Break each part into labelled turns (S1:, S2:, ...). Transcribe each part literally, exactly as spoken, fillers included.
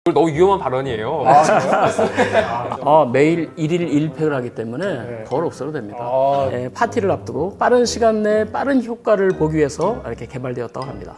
S1: 너무 위험한 발언이에요.
S2: 아,
S3: 어, 매일 일 일 일 팩을 하기 때문에
S2: 네.
S3: 덜 없어도 됩니다.
S2: 아.
S3: 예, 파티를 앞두고 빠른 시간 내에 빠른 효과를 보기 위해서 이렇게 개발되었다고 합니다.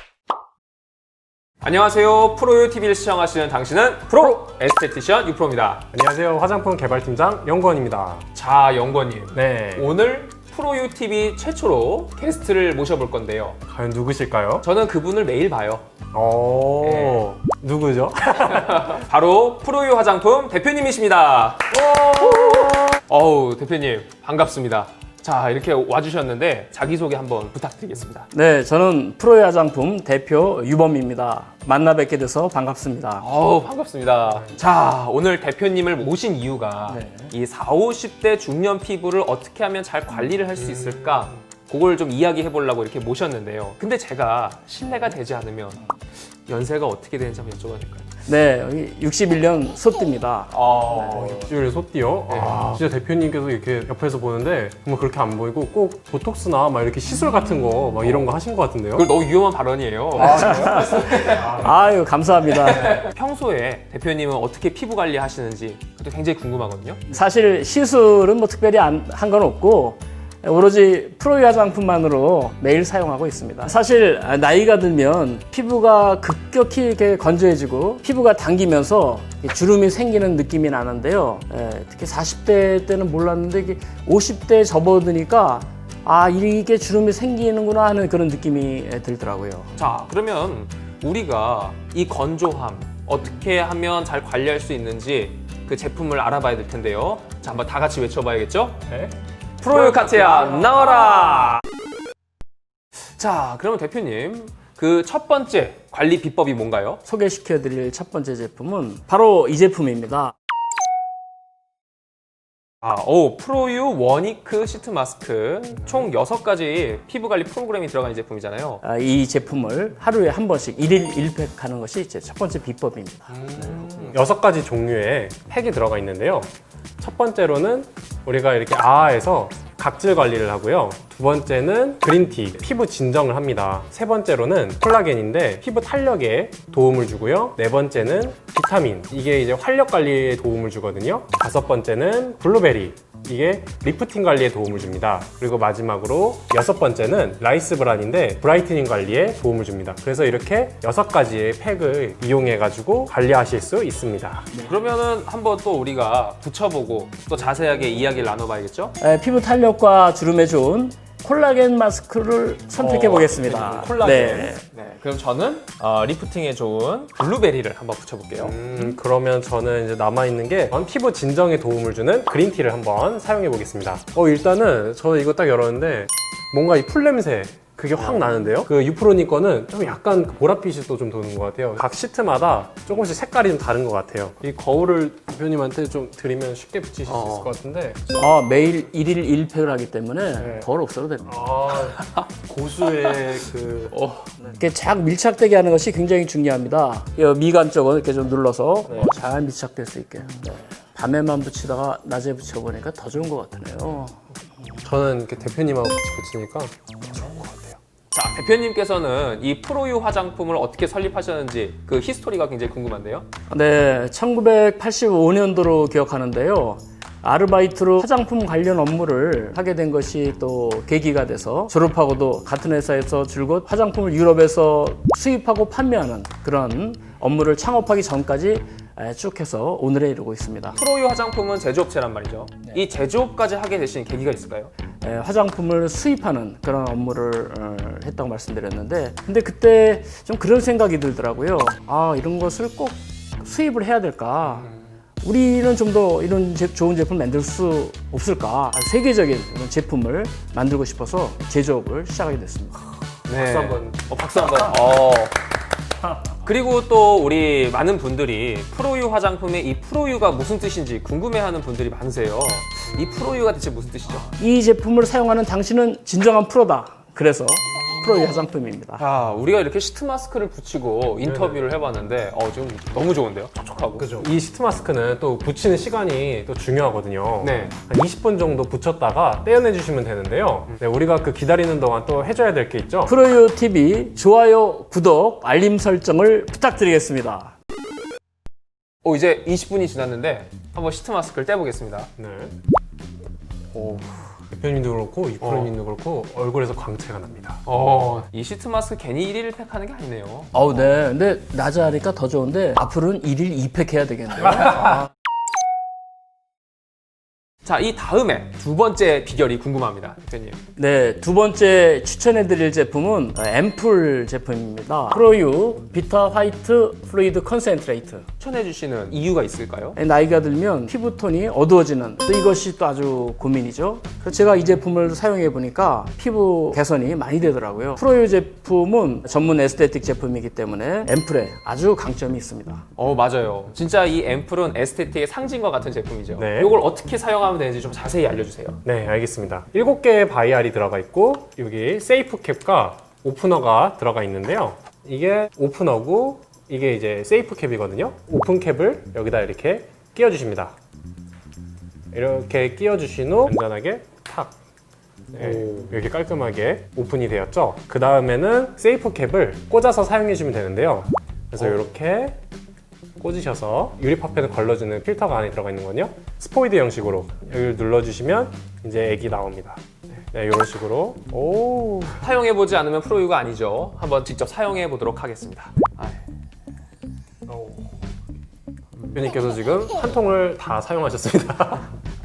S1: 안녕하세요. 프로유 티비를 시청하시는 당신은 프로 에스테티션 유프로입니다.
S2: 안녕하세요. 화장품 개발팀장 영권입니다.
S1: 자, 영권님.
S2: 네.
S1: 오늘 프로유 티비 최초로 게스트를 모셔볼 건데요.
S2: 과연 누구실까요?
S1: 저는 그분을 매일 봐요.
S2: 어,
S1: 네.
S2: 누구죠?
S1: 바로 프로유 화장품 대표님이십니다. 어우, 대표님 반갑습니다. 자, 이렇게 와주셨는데 자기소개 한번 부탁드리겠습니다.
S3: 네, 저는 프로의 화장품 대표 유범입니다. 만나 뵙게 돼서 반갑습니다.
S1: 어우, 반갑습니다. 자, 오늘 대표님을 모신 이유가
S3: 네.
S1: 이 사오십 대 중년 피부를 어떻게 하면 잘 관리를 할 수 있을까? 그걸 좀 이야기해 보려고 이렇게 모셨는데요. 근데 제가 실례가 되지 않으면 연세가 어떻게 되는지 한번 여쭤봐도 될까요?
S3: 네, 여기 육십일 년 소띠입니다.
S1: 어,
S2: 육십일 소띠요? 아, 진짜 대표님께서 이렇게 옆에서 보는데 정말 그렇게 안 보이고 꼭 보톡스나 막 이렇게 시술 같은 거 막 이런 거 하신 것 같은데요?
S1: 그걸 너무 위험한 발언이에요.
S3: 아유, 감사합니다.
S1: 평소에 대표님은 어떻게 피부 관리 하시는지 그것도 굉장히 궁금하거든요.
S3: 사실 시술은 뭐 특별히 한 건 없고 오로지 프로의 화장품만으로 매일 사용하고 있습니다. 사실 나이가 들면 피부가 급격히 이렇게 건조해지고 피부가 당기면서 주름이 생기는 느낌이 나는데요. 예, 특히 사십 대 때는 몰랐는데 이게 오십 대 접어드니까 아, 이게 주름이 생기는구나 하는 그런 느낌이 들더라고요.
S1: 자, 그러면 우리가 이 건조함 어떻게 하면 잘 관리할 수 있는지 그 제품을 알아봐야 될 텐데요. 자, 한번 다 같이 외쳐봐야겠죠?
S2: 네.
S1: 프로유 카체야 나와라! 자, 그러면 대표님 그 첫 번째 관리 비법이 뭔가요?
S3: 소개시켜드릴 첫 번째 제품은 바로 이 제품입니다.
S1: 아, 오, 프로유 원이크 시트 마스크 총 여섯 가지 피부 관리 프로그램이 들어간 제품이잖아요.
S3: 아, 이 제품을 하루에 한 번씩 일 일 일 팩 하는 것이 제 첫 번째 비법입니다.
S2: 여섯 가지 종류의 팩이 들어가 있는데요. 첫 번째로는 우리가 이렇게 아아에서 각질 관리를 하고요. 두 번째는 그린티, 피부 진정을 합니다. 세 번째로는 콜라겐인데 피부 탄력에 도움을 주고요. 네 번째는 비타민, 이게 이제 활력 관리에 도움을 주거든요. 다섯 번째는 블루베리, 이게 리프팅 관리에 도움을 줍니다. 그리고 마지막으로 여섯 번째는 라이스 브란인데 브라이트닝 관리에 도움을 줍니다. 그래서 이렇게 여섯 가지의 팩을 이용해 가지고 관리하실 수 있습니다.
S1: 그러면은 한번 또 우리가 붙여보고 또 자세하게 이야기를 나눠봐야겠죠?
S3: 에, 피부 탄력과 주름에 좋은 콜라겐 마스크를 선택해 보겠습니다.
S1: 어, 콜라겐.
S3: 네.
S1: 네, 그럼 저는 어, 리프팅에 좋은 블루베리를 한번 붙여볼게요.
S2: 음, 그러면 저는 이제 남아있는 게 피부 진정에 도움을 주는 그린티를 한번 사용해 보겠습니다. 어, 일단은 저 이거 딱 열었는데 뭔가 이 풀냄새 그게 확 나는데요? 그 유프로니 거는 좀 약간 보랏빛이 또 좀 도는 것 같아요. 각 시트마다 조금씩 색깔이 좀 다른 것 같아요. 이 거울을 대표님한테 좀 드리면 쉽게 붙이실 수
S1: 어.
S2: 있을 것 같은데.
S3: 아, 매일 일 일 일 팩을 하기 때문에
S2: 네.
S3: 덜 없어도 됩니다.
S2: 아, 고수의 그.
S1: 어,
S3: 이렇게 쫙 밀착되게 하는 것이 굉장히 중요합니다. 이 미간 쪽은 이렇게 좀 눌러서
S2: 네.
S3: 잘 밀착될 수 있게. 네. 밤에만 붙이다가 낮에 붙여보니까 더 좋은 것 같으네요.
S2: 저는 이렇게 대표님하고 같이 붙이니까 좋은 것 같아요.
S1: 자, 대표님께서는 이 프로유 화장품을 어떻게 설립하셨는지 그 히스토리가 굉장히 궁금한데요.
S3: 네, 천구백팔십오 년도로 기억하는데요. 아르바이트로 화장품 관련 업무를 하게 된 것이 또 계기가 돼서 졸업하고도 같은 회사에서 줄곧 화장품을 유럽에서 수입하고 판매하는 그런 업무를 창업하기 전까지 쭉 해서 오늘에 이르고 있습니다.
S1: 프로유 화장품은 제조업체란 말이죠. 이 제조업까지 하게 되신 계기가 있을까요?
S3: 에, 화장품을 수입하는 그런 업무를 어, 했다고 말씀드렸는데 근데 그때 좀 그런 생각이 들더라고요. 아, 이런 것을 꼭 수입을 해야 될까? 우리는 좀 더 이런 제, 좋은 제품을 만들 수 없을까? 세계적인 그런 제품을 만들고 싶어서 제조업을 시작하게 됐습니다.
S1: 네.
S2: 박수 한번.
S1: 어, 박수 한번. 어. 그리고 또 우리 많은 분들이 프로유 화장품의 이 프로유가 무슨 뜻인지 궁금해하는 분들이 많으세요. 이 프로유가 대체 무슨 뜻이죠?
S3: 이 제품을 사용하는 당신은 진정한 프로다. 그래서 프로의 화장품입니다.
S1: 자, 우리가 이렇게 시트 마스크를 붙이고 인터뷰를 해봤는데 어, 지금 너무 좋은데요? 촉촉하고.
S2: 그죠. 이 시트 마스크는 또 붙이는 시간이 또 중요하거든요.
S1: 네.
S2: 한 이십 분 정도 붙였다가 떼어내 주시면 되는데요. 네, 우리가 그 기다리는 동안 또 해줘야 될 게 있죠.
S3: 프로유 티비 좋아요, 구독, 알림 설정을 부탁드리겠습니다.
S1: 어, 이제 이십 분이 지났는데 한번 시트 마스크를 떼보겠습니다.
S2: 네.
S1: 오.
S2: 대표님도 그렇고 이 프로님도 그렇고 얼굴에서 광채가 납니다.
S1: 어, 이 시트 마스크 괜히 일 일 팩 하는 게 아니네요.
S3: 어우, 네. 근데 낮에 하니까 더 좋은데 앞으로는 일 일 이 팩 해야 되겠네요. 아.
S1: 자, 이 다음에 두 번째 비결이 궁금합니다, 대표님.
S3: 네, 두 번째 추천해드릴 제품은 앰플 제품입니다. 프로유 비타 화이트 플루이드 컨센트레이트.
S1: 추천해주시는 이유가 있을까요?
S3: 나이가 들면 피부톤이 어두워지는 또 이것이 또 아주 고민이죠. 그래서 제가 이 제품을 사용해 보니까 피부 개선이 많이 되더라고요. 프로유 제품은 전문 에스테틱 제품이기 때문에 앰플에 아주 강점이 있습니다.
S1: 어, 맞아요. 진짜 이 앰플은 에스테틱의 상징과 같은 제품이죠.
S2: 네.
S1: 이걸 어떻게 사용하면 되는지 좀 자세히 알려주세요.
S2: 네, 알겠습니다. 일곱 개의 바이알이 들어가 있고 여기 세이프 캡과 오프너가 들어가 있는데요. 이게 오프너고 이게 이제 세이프 캡이거든요. 오픈 캡을 여기다 이렇게 끼워 주십니다. 이렇게 끼워 주신 후 안전하게 탁 네, 이렇게 깔끔하게 오픈이 되었죠. 그 다음에는 세이프 캡을 꽂아서 사용해 주시면 되는데요. 그래서
S1: 어.
S2: 이렇게 꽂으셔서 유리파편을 걸러주는 필터가 안에 들어가 있는 거요. 스포이드 형식으로 여기를 눌러주시면 이제 액이 나옵니다. 네, 이런 식으로. 오.
S1: 사용해보지 않으면 프로유가 아니죠. 한번 직접 사용해보도록 하겠습니다. 아,
S2: 대표님께서 지금 한 통을 다 사용하셨습니다.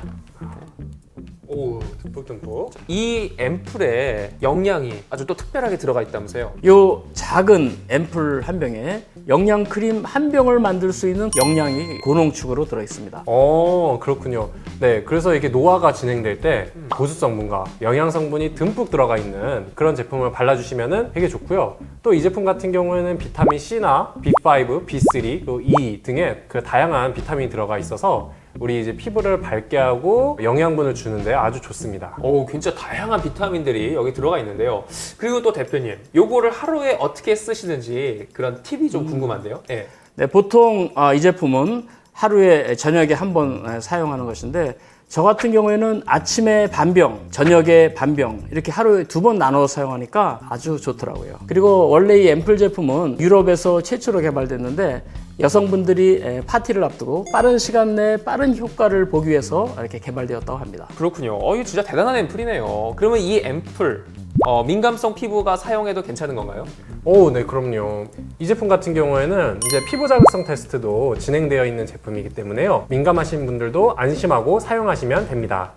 S2: 오, 듬뿍듬뿍.
S1: 이 앰플에 영양이 아주 또 특별하게 들어가 있다면서요?
S3: 요 작은 앰플 한 병에 영양 크림 한 병을 만들 수 있는 영양이 고농축으로 들어 있습니다.
S2: 어, 그렇군요. 네, 그래서 이게 노화가 진행될 때 보습 성분과 영양 성분이 듬뿍 들어가 있는 그런 제품을 발라주시면 되게 좋고요. 또 이 제품 같은 경우에는 비타민 C나 비 파이브, 비 쓰리, 또 E 등의 그 다양한 비타민이 들어가 있어서 우리 이제 피부를 밝게 하고 영양분을 주는데 아주 좋습니다.
S1: 오, 진짜 다양한 비타민들이 여기 들어가 있는데요. 그리고 또 대표님, 요거를 하루에 어떻게 쓰시는지 그런 팁이 좀 궁금한데요. 네.
S3: 네, 보통 아, 이 제품은 하루에 저녁에 한 번 사용하는 것인데 저 같은 경우에는 아침에 반병, 저녁에 반병 이렇게 하루에 두 번 나눠 사용하니까 아주 좋더라고요. 그리고 원래 이 앰플 제품은 유럽에서 최초로 개발됐는데 여성분들이 파티를 앞두고 빠른 시간 내에 빠른 효과를 보기 위해서 이렇게 개발되었다고 합니다.
S1: 그렇군요. 어, 이거 진짜 대단한 앰플이네요. 그러면 이 앰플, 어, 민감성 피부가 사용해도 괜찮은 건가요?
S2: 오, 네, 그럼요. 이 제품 같은 경우에는 이제 피부 자극성 테스트도 진행되어 있는 제품이기 때문에요. 민감하신 분들도 안심하고 사용하시면 됩니다.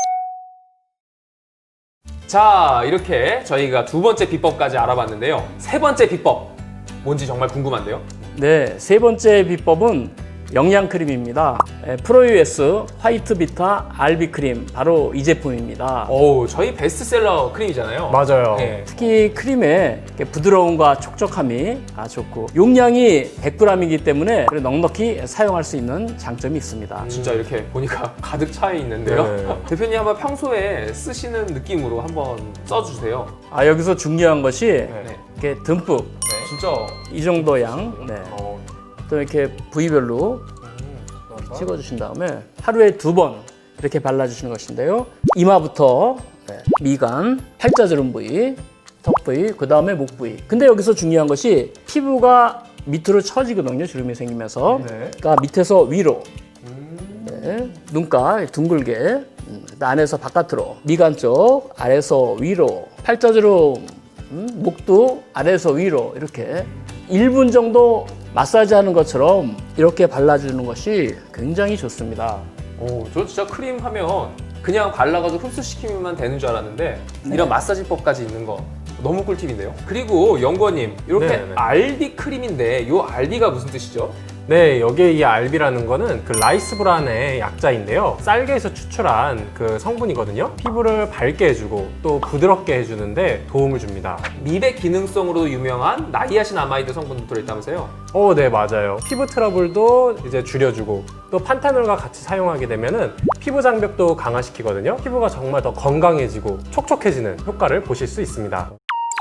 S1: 자, 이렇게 저희가 두 번째 비법까지 알아봤는데요. 세 번째 비법, 뭔지 정말 궁금한데요.
S3: 네, 세 번째 비법은 영양 크림입니다. 프로유에스 화이트 비타 알비 크림 바로 이 제품입니다.
S1: 오, 저희 베스트셀러 크림이잖아요.
S2: 맞아요.
S1: 네.
S3: 특히 크림의 부드러움과 촉촉함이 아주 좋고 용량이 백 그램이기 때문에 넉넉히 사용할 수 있는 장점이 있습니다.
S1: 진짜 이렇게 보니까 가득 차 있는데요.
S2: 네.
S1: 대표님 한번 평소에 쓰시는 느낌으로 한번 써주세요.
S3: 아, 여기서 중요한 것이
S1: 네.
S3: 이렇게 듬뿍
S1: 진짜.
S3: 이 정도 양, 네.
S2: 어,
S3: 또 이렇게 부위별로 찍어주신 다음에 하루에 두 번 이렇게 발라주시는 것인데요. 이마부터 네, 미간, 팔자주름 부위, 턱 부위, 그 다음에 목 부위. 근데 여기서 중요한 것이 피부가 밑으로 처지거든요. 주름이 생기면서.
S2: 네.
S3: 그러니까 밑에서 위로, 네, 눈가 둥글게, 음, 안에서 바깥으로, 미간 쪽 아래에서 위로, 팔자주름, 음, 목도 아래에서 위로 이렇게 일 분 정도 마사지 하는 것처럼 이렇게 발라주는 것이 굉장히 좋습니다.
S1: 오, 저 진짜 크림 하면 그냥 발라가지고 흡수시키면 되는 줄 알았는데 이런 마사지법까지 있는 거 너무 꿀팁인데요. 그리고 연구원님, 이렇게
S2: 네네네.
S1: 알비 크림인데 이 알비가 무슨 뜻이죠?
S2: 네, 여기에 이 알비라는 거는 그 라이스브란의 약자인데요. 쌀개에서 추출한 그 성분이거든요. 피부를 밝게 해주고 또 부드럽게 해주는데 도움을 줍니다.
S1: 미백 기능성으로 유명한 나이아신아마이드 성분도 들어있다면서요?
S2: 어, 네, 맞아요. 피부 트러블도 이제 줄여주고 또 판테놀과 같이 사용하게 되면은 피부 장벽도 강화시키거든요. 피부가 정말 더 건강해지고 촉촉해지는 효과를 보실 수 있습니다.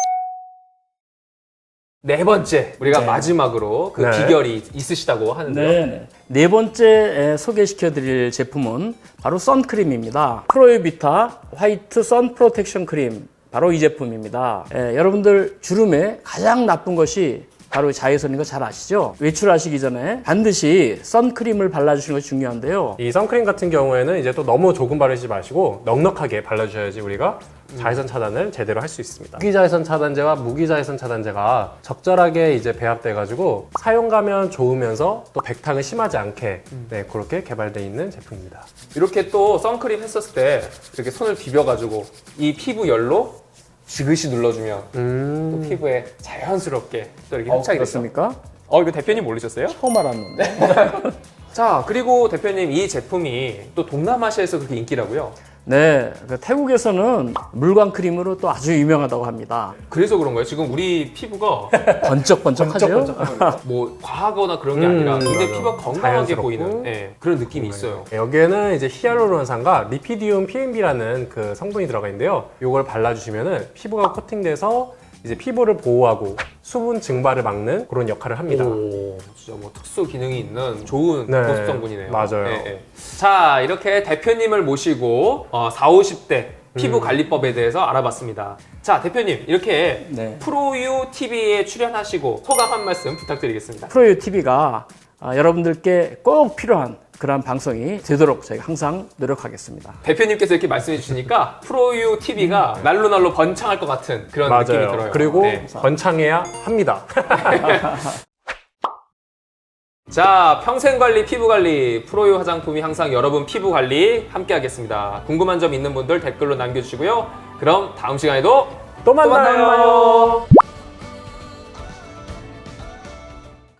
S1: 네 번째, 우리가
S3: 네.
S1: 마지막으로 그
S2: 네.
S1: 비결이 있으시다고 하는데요.
S3: 네. 네 번째 소개시켜 드릴 제품은 바로 선크림입니다. 프로유비타 화이트 선 프로텍션 크림 바로 이 제품입니다. 예, 여러분들 주름에 가장 나쁜 것이 바로 자외선인 거 잘 아시죠? 외출하시기 전에 반드시 선크림을 발라주시는 것이 중요한데요.
S2: 이 선크림 같은 경우에는 이제 또 너무 조금 바르지 마시고 넉넉하게 발라주셔야지 우리가 자외선 차단을 제대로 할 수 있습니다. 무기자외선 차단제와 무기자외선 차단제가 적절하게 이제 배합돼가지고 사용감은 좋으면서 또 백탁은 심하지 않게 네, 그렇게 개발되어 있는 제품입니다.
S1: 이렇게 또 선크림 했었을 때 이렇게 손을 비벼가지고 이 피부 열로 지그시 눌러주면
S2: 음...
S1: 또 피부에 자연스럽게 또 이렇게
S3: 어,
S1: 흡착이 됐어.
S3: 그렇습니까?
S1: 어 이거 대표님 모르셨어요?
S3: 처음 알았는데.
S1: 자 그리고 대표님 이 제품이 또 동남아시아에서 그렇게 인기라고요?
S3: 네, 그 태국에서는 물광 크림으로 또 아주 유명하다고 합니다.
S1: 그래서 그런 거예요. 지금 우리 피부가
S3: 번쩍번쩍하죠?
S1: 뭐 과하거나 그런 게
S2: 음,
S1: 아니라 근데
S2: 맞아.
S1: 피부가 건강하게
S2: 자연스럽고.
S1: 보이는 예, 그런 느낌이 있어요.
S2: 여기에는 이제 히알루론산과 리피디움 피엠비라는 그 성분이 들어가 있는데요. 이걸 발라주시면은 피부가 코팅돼서 이제 피부를 보호하고 수분 증발을 막는 그런 역할을 합니다.
S1: 오, 진짜 뭐 특수 기능이 있는 좋은
S2: 네,
S1: 보습 성분이네요.
S2: 맞아요.
S1: 예, 예. 자, 이렇게 대표님을 모시고 어, 사십, 오십 대 피부 관리법에 대해서 알아봤습니다. 자, 대표님 이렇게
S3: 네.
S1: 프로유 티비에 출연하시고 소감 한 말씀 부탁드리겠습니다.
S3: 프로유 티비가 여러분들께 꼭 필요한 그런 방송이 되도록 저희가 항상 노력하겠습니다.
S1: 대표님께서 이렇게 말씀해 주시니까 프로유 티비가 날로 날로 번창할 것 같은 그런 느낌이
S2: 맞아요.
S1: 들어요.
S2: 그리고
S1: 네.
S2: 번창해야 합니다.
S1: 자, 평생관리 피부관리 프로유 화장품이 항상 여러분 피부 관리 함께 하겠습니다. 궁금한 점 있는 분들 댓글로 남겨주시고요. 그럼 다음 시간에도
S2: 또 만나요.
S1: 또 만나요.